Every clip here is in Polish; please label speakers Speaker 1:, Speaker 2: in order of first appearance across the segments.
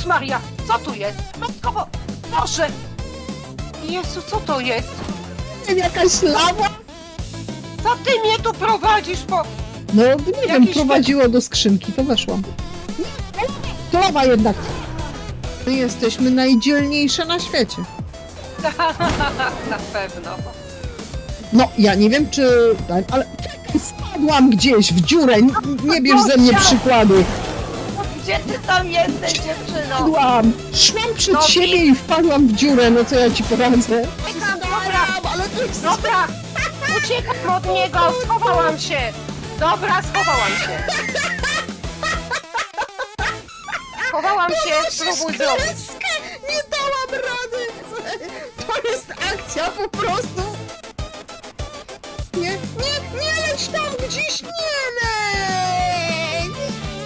Speaker 1: Jezus Maria, co tu jest? Matko, Boże! Jezu, co to jest?
Speaker 2: Jakaś lawa?
Speaker 1: Co ty mnie tu prowadzisz po...
Speaker 2: No nie wiem,
Speaker 1: Jakiś
Speaker 2: prowadziło do skrzynki, to weszłam. To lawa jednak. My jesteśmy najdzielniejsze na świecie.
Speaker 1: Na pewno.
Speaker 2: No, ja nie wiem czy... ale czekaj, spadłam gdzieś w dziurę, nie bierz ze mnie przykładu.
Speaker 1: Gdzie ty tam jesteś, dziewczyno?
Speaker 2: Spadłam, szłam przed
Speaker 1: No
Speaker 2: siebie i wpadłam w dziurę, no co ja ci poradzę?
Speaker 1: Uciekam, dobra,
Speaker 2: Ale to jest...
Speaker 1: dobra! Uciekam od niego, schowałam się! Dobra, schowałam się! Schowałam się, spróbuj zrobić.
Speaker 2: Nie dałam rady! To jest akcja po prostu! Nie leć tam gdzieś, nie leć!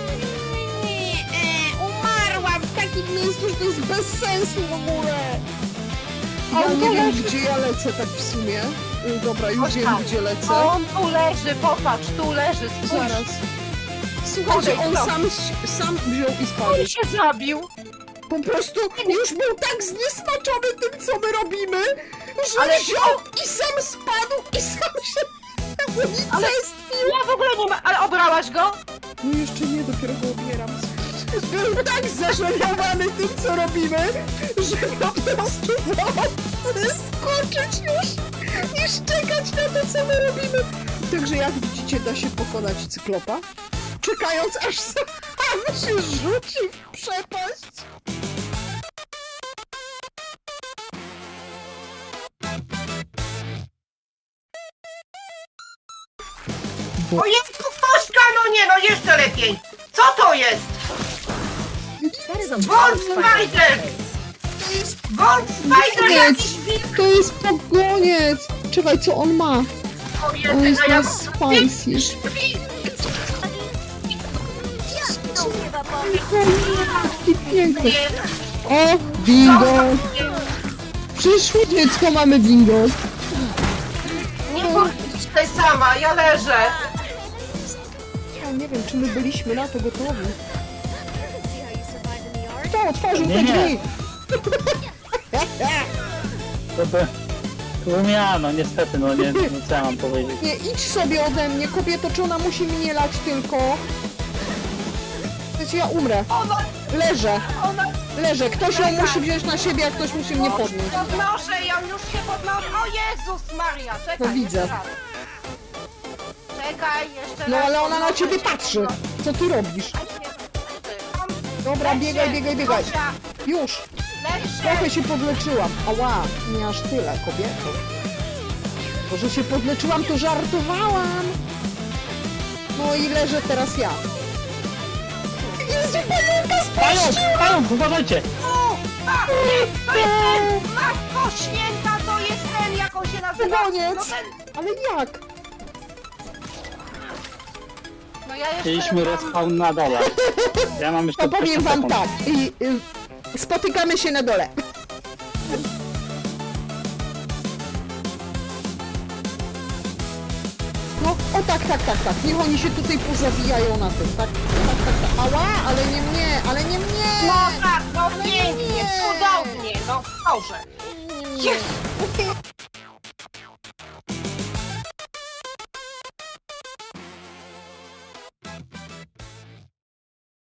Speaker 2: Umarłam w takim miejscu, że to jest bez sensu w ogóle! Ja nie wiem, gdzie ja lecę tak w sumie. Dobra, już wiem, gdzie lecę.
Speaker 1: On tu leży, popatrz, tu leży, spójrz.
Speaker 2: Zaraz. Słuchajcie, on sam wziął i spadł.
Speaker 1: On się zabił.
Speaker 2: Po prostu już był tak zniesmaczony tym, co my robimy, że
Speaker 1: Ale
Speaker 2: wziął i sam spadł i sam się unicestwił.
Speaker 1: Ja w ogóle nie ma... Ale obrałaś go?
Speaker 2: No jeszcze nie, dopiero go obieram. Był tak zażenowany tym, co robimy, że po prostu wolał skoczyć już niż czekać na to, co my robimy. Także jak widzicie, da się pokonać cyklopa, czekając aż sam się rzuci w przepaść.
Speaker 1: O jest tu ktośka, no nie, no jeszcze lepiej. Co to jest? Volt Spider! Volt Spider jakiś wilk!
Speaker 2: To jest pogoniec! Czekaj, co on ma?
Speaker 1: O
Speaker 2: On
Speaker 1: jest,
Speaker 2: jest
Speaker 1: a ja...
Speaker 2: na spicy. Jaki piękny. O, bingo! Przyszło dziecko, mamy bingo.
Speaker 1: Nie bądź tutaj sama, ja leżę.
Speaker 2: Ja nie wiem, czy my byliśmy na to gotowi. Kto otworzył te
Speaker 3: Nie.
Speaker 2: drzwi?
Speaker 3: To umiano, niestety, no nie, co ja mam powiedzieć.
Speaker 2: Nie, idź sobie ode mnie, kobieto, czy ona musi mnie lać tylko? Wiecie, ja umrę.
Speaker 1: Ona,
Speaker 2: Leżę,
Speaker 1: ona...
Speaker 2: leżę. Ktoś ją musi wziąć na siebie, a ktoś musi mnie podnieść.
Speaker 1: Podnoszę, ja już się podnoszę. O Jezus Maria, czekaj.
Speaker 2: No widzę.
Speaker 1: jeszcze raz. Czekaj, jeszcze raz.
Speaker 2: No ale ona na
Speaker 1: podnoszę
Speaker 2: ciebie
Speaker 1: się,
Speaker 2: patrzy.
Speaker 1: podnoszę.
Speaker 2: Co ty robisz? Dobra,
Speaker 1: Leć
Speaker 2: biegaj,
Speaker 1: się,
Speaker 2: biegaj, biegaj.
Speaker 1: Zosia,
Speaker 2: Już.
Speaker 1: leć się.
Speaker 2: Trochę się podleczyłam. Ała, nie aż tyle, kobieto. To, że się podleczyłam, to żartowałam. No i leżę teraz ja. Jezu, pająka
Speaker 3: Pająk, uważajcie!
Speaker 1: O, a, nie, to jest ten! Matko Święta, to jest ten, jak on się nazywa?
Speaker 2: Koniec.
Speaker 1: No ten,
Speaker 2: Ale jak?
Speaker 1: no ja jeszcze
Speaker 3: Chcieliśmy
Speaker 1: mam...
Speaker 3: respawn na dole. Ja mam jeszcze
Speaker 2: To powiem
Speaker 3: 20
Speaker 2: wam
Speaker 3: sekund.
Speaker 2: tak. Spotykamy się na dole. No, o tak. Niech oni się tutaj pozawijają na tym, tak? Tak. Ała, ale nie mnie, ale nie mnie!
Speaker 1: No tak, no pięknie,
Speaker 2: nie.
Speaker 1: cudownie, no Boże. Jest!